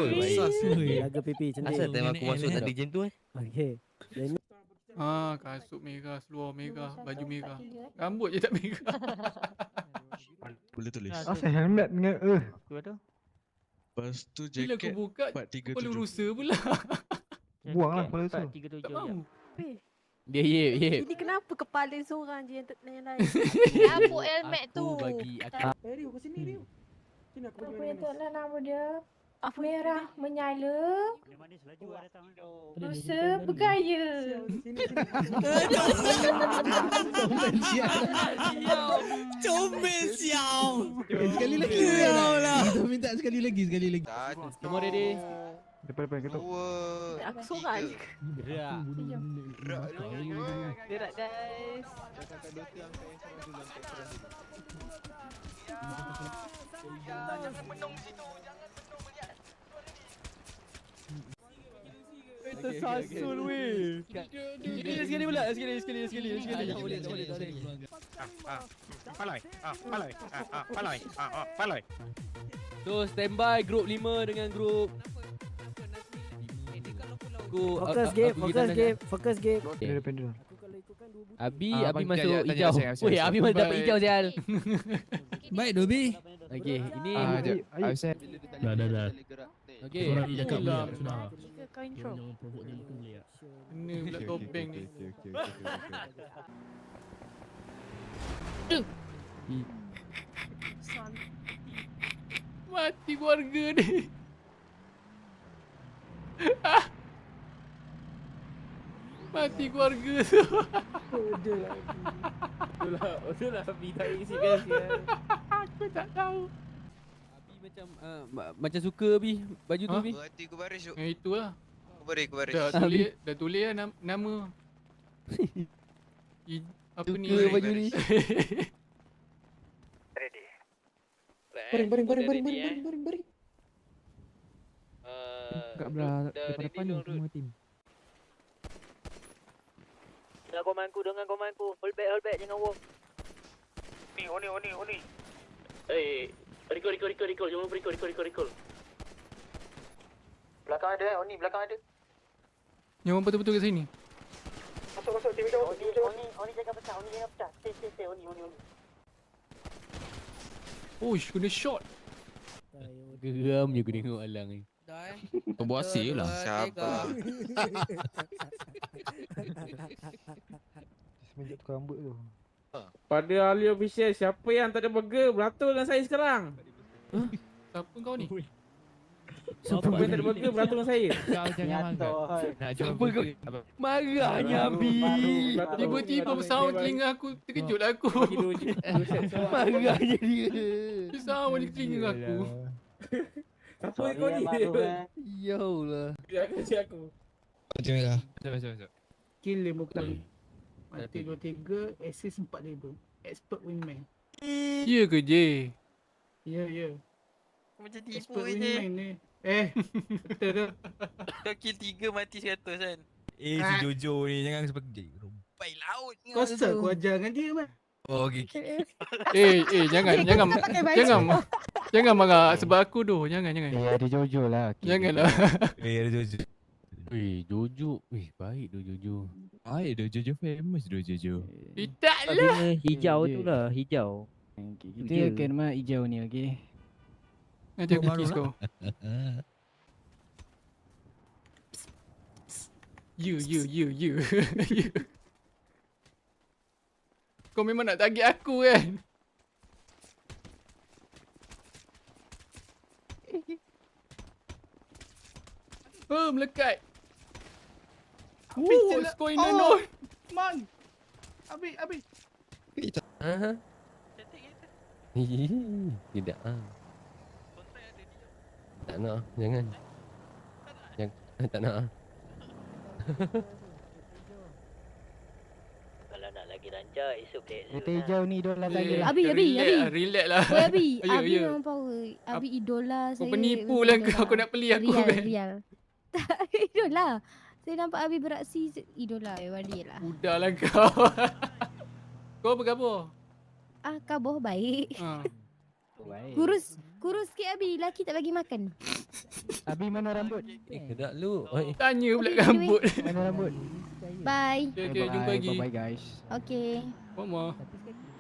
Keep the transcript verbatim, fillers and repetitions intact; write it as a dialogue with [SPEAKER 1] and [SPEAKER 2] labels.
[SPEAKER 1] Jaga pipi cantik.
[SPEAKER 2] Asal time aku masuk tadi macam tu eh.
[SPEAKER 1] Okey. Dan
[SPEAKER 3] Ah, kasut merah, seluar merah, baju merah. Rambut je tak merah.
[SPEAKER 4] Boleh tulis.
[SPEAKER 5] Asal helmet dengan eh.
[SPEAKER 4] Lepas tu
[SPEAKER 3] Bila aku
[SPEAKER 4] jaket
[SPEAKER 3] buka,
[SPEAKER 4] empat tiga
[SPEAKER 3] kepala
[SPEAKER 4] tujuh.
[SPEAKER 3] rusa pula.
[SPEAKER 5] Buang lah kepala tu.
[SPEAKER 3] Tak mahu.
[SPEAKER 6] Dia yep yep.
[SPEAKER 7] Ini kenapa kepala seorang je yang tak yang lain?
[SPEAKER 8] Apa helmet tu?
[SPEAKER 6] Aku bagi aku.
[SPEAKER 1] Eh, Rio, kat sini Rio. Sini aku bagi
[SPEAKER 8] Apa yang
[SPEAKER 1] manis.
[SPEAKER 8] taklah nama dia? Merah menyala. Rusa bergaya.
[SPEAKER 1] Sini sini.
[SPEAKER 9] Comel siau. Sekali lagi lah. Kita minta sekali lagi, sekali lagi.
[SPEAKER 6] Semua ready?
[SPEAKER 5] Depan-depan kita.
[SPEAKER 7] Aku seorang je.
[SPEAKER 6] Gerak.
[SPEAKER 7] Gerak guys.
[SPEAKER 6] Tersasul weh. Sekali pula, sekali sekali sekali sekali.
[SPEAKER 9] Tak boleh, tak boleh, tak boleh.
[SPEAKER 10] Palai. Ah, palai. Ah, ah, palai. Ah, ah, palai.
[SPEAKER 6] So standby group lima dengan group Aku
[SPEAKER 1] Fokus game, fokus game, fokus game.
[SPEAKER 5] Dia depan dia.
[SPEAKER 1] Aku kalau ikutkan dua bulan.
[SPEAKER 6] Abi,
[SPEAKER 9] Ah,
[SPEAKER 6] Abi
[SPEAKER 9] bang,
[SPEAKER 6] masuk
[SPEAKER 9] tanya- tanya
[SPEAKER 6] hijau.
[SPEAKER 9] Asyik, Asyik,
[SPEAKER 6] Weh,
[SPEAKER 9] Asyik.
[SPEAKER 6] Abi masuk dapat
[SPEAKER 3] Baik.
[SPEAKER 6] hijau sial.
[SPEAKER 9] Baik Dobi.
[SPEAKER 6] Okey, ini
[SPEAKER 5] Ah,
[SPEAKER 9] jap.
[SPEAKER 5] Aib.
[SPEAKER 9] Aisyah.
[SPEAKER 11] Dah dah dah.
[SPEAKER 6] okey.
[SPEAKER 11] Orang ni cakap
[SPEAKER 3] Itulah.
[SPEAKER 11] boleh sudah.
[SPEAKER 7] Jika kau intro.
[SPEAKER 11] Jangan provoke dia muka boleh tak?
[SPEAKER 3] Kena pula topeng ni. Mati keluarga ni. Mati keluarga tu.
[SPEAKER 6] Itulah, itulah Abi tak isi best ya.
[SPEAKER 3] Aku tak tahu.
[SPEAKER 6] Abi macam uh, ma- macam suka Abi baju tu
[SPEAKER 3] Ha?
[SPEAKER 6] Abi.
[SPEAKER 12] Berhati ku baris tu.
[SPEAKER 3] Yang itulah.
[SPEAKER 12] Ku baris, ku baris.
[SPEAKER 3] Dah tulis, dah tulis lah nam- nama. I, apa ni?
[SPEAKER 6] Suka baju ni.
[SPEAKER 1] Baring, baring, baring, baring, baring, baring, baring, baring.
[SPEAKER 5] Kat belah depan depan ni semua tim.
[SPEAKER 6] Dengan komanku, dengan komanku. Hold back, hold back, jangan walk.
[SPEAKER 10] Ni, oni, oni, oni.
[SPEAKER 6] Eh, recall, recall, recall, recall. Jangan lupa recall, recall, recall, recall.
[SPEAKER 1] Belakang ada, Oni belakang ada.
[SPEAKER 3] Yang orang betul-betul kat sini.
[SPEAKER 1] Masuk, masuk, tim hijau, tim hijau.
[SPEAKER 6] Oni, Oni jangan pecah, Oni jangan pecah. Stay, stay, stay, Oni, Oni, Oni.
[SPEAKER 3] Uish, kena shot.
[SPEAKER 6] Geram je aku tengok Alang ni.
[SPEAKER 9] Dah eh.
[SPEAKER 4] Pembuasi lah.
[SPEAKER 12] Sabar.
[SPEAKER 5] Semenjak tukar rambut tu.
[SPEAKER 10] Pada ahli official, siapa yang tak ada burger beratur dengan saya sekarang?
[SPEAKER 3] Siapa kau ni?
[SPEAKER 10] Siapa yang tak ada burger beratur dengan saya?
[SPEAKER 9] Kau jangan marah.
[SPEAKER 4] Nak
[SPEAKER 6] Apa kau? Marahnya Abi.
[SPEAKER 3] Tiba-tiba bersound telinga aku, terkejut lah aku.
[SPEAKER 6] Marahnya dia.
[SPEAKER 3] Dia sound di telinga aku.
[SPEAKER 10] Siapa kau ni?
[SPEAKER 6] Ya Allah.
[SPEAKER 10] Dia akan cakap aku.
[SPEAKER 9] Macam merah.
[SPEAKER 4] Masuk, masuk, masuk.
[SPEAKER 3] Kill lima kali. Mati dua tiga, assist empat ribu. Expert wingman. Ya ke J? Ya, ya.
[SPEAKER 12] Macam tipu
[SPEAKER 3] Expert
[SPEAKER 12] je.
[SPEAKER 3] wingman ni. Eh, betul ke?
[SPEAKER 12] Kau kill tiga mati seratus kan?
[SPEAKER 4] Eh, si Jojo ni jangan seperti
[SPEAKER 12] Baik laut.
[SPEAKER 3] Kau sel aku ajar dengan dia kan?
[SPEAKER 4] Oh, okey.
[SPEAKER 3] Eh, eh, jangan, jangan. Jangan. Jangan marah sebab aku doh. Jangan, jangan.
[SPEAKER 5] Eh, ada Jojo lah.
[SPEAKER 3] Janganlah.
[SPEAKER 4] Eh, ada Jojo.
[SPEAKER 6] Weh, Jojo. Weh, baik tu Jojo.
[SPEAKER 4] Ay, ada Jojo famous tu Jojo.
[SPEAKER 3] Tidaklah.
[SPEAKER 1] Hijau tu lah, hijau.
[SPEAKER 5] Kita kena hijau ni, okey.
[SPEAKER 3] Nanti aku kiss kau. You, you, you, you. You. Kau memang nak target aku kan? Oh, melekat. Oh, what's going on?
[SPEAKER 10] Man. Abi, abi.
[SPEAKER 6] Aha. Tidak ah. Tak nak, ah, jangan. Jangan, tak nak. ah.
[SPEAKER 8] Kalau nak lagi rancak, esok play
[SPEAKER 5] Kereta hijau ni idola saya.
[SPEAKER 3] Eh,
[SPEAKER 7] Abi, Abi,
[SPEAKER 3] relax
[SPEAKER 7] Abi.
[SPEAKER 3] lah, relax lah.
[SPEAKER 7] Oi Abi,
[SPEAKER 3] Ya,
[SPEAKER 7] Abi
[SPEAKER 3] ya.
[SPEAKER 7] memang power. Abi idola
[SPEAKER 3] Kau
[SPEAKER 7] saya.
[SPEAKER 3] penipu
[SPEAKER 7] memang
[SPEAKER 3] lah
[SPEAKER 7] idola.
[SPEAKER 3] kau, kau nak beli aku
[SPEAKER 7] Rial,
[SPEAKER 3] kan?
[SPEAKER 7] Rial. Tak, idola. Saya nampak Abi beraksi, idola. Memang dia lah.
[SPEAKER 3] Udahlah kau. Kau apa khabar?
[SPEAKER 7] Ah, khabar baik.
[SPEAKER 3] Ha.
[SPEAKER 7] Kurus Kurus sikit Abi, lelaki tak bagi makan.
[SPEAKER 5] Abi mana rambut?
[SPEAKER 6] Eh, kedak lu. Oi.
[SPEAKER 3] Tanya pula
[SPEAKER 7] Okay, anyway.
[SPEAKER 3] rambut.
[SPEAKER 5] Mana rambut?
[SPEAKER 7] Bye.
[SPEAKER 3] Okay, okay, jumpa lagi.
[SPEAKER 5] Bye bye guys.
[SPEAKER 7] Okay.
[SPEAKER 3] Mama.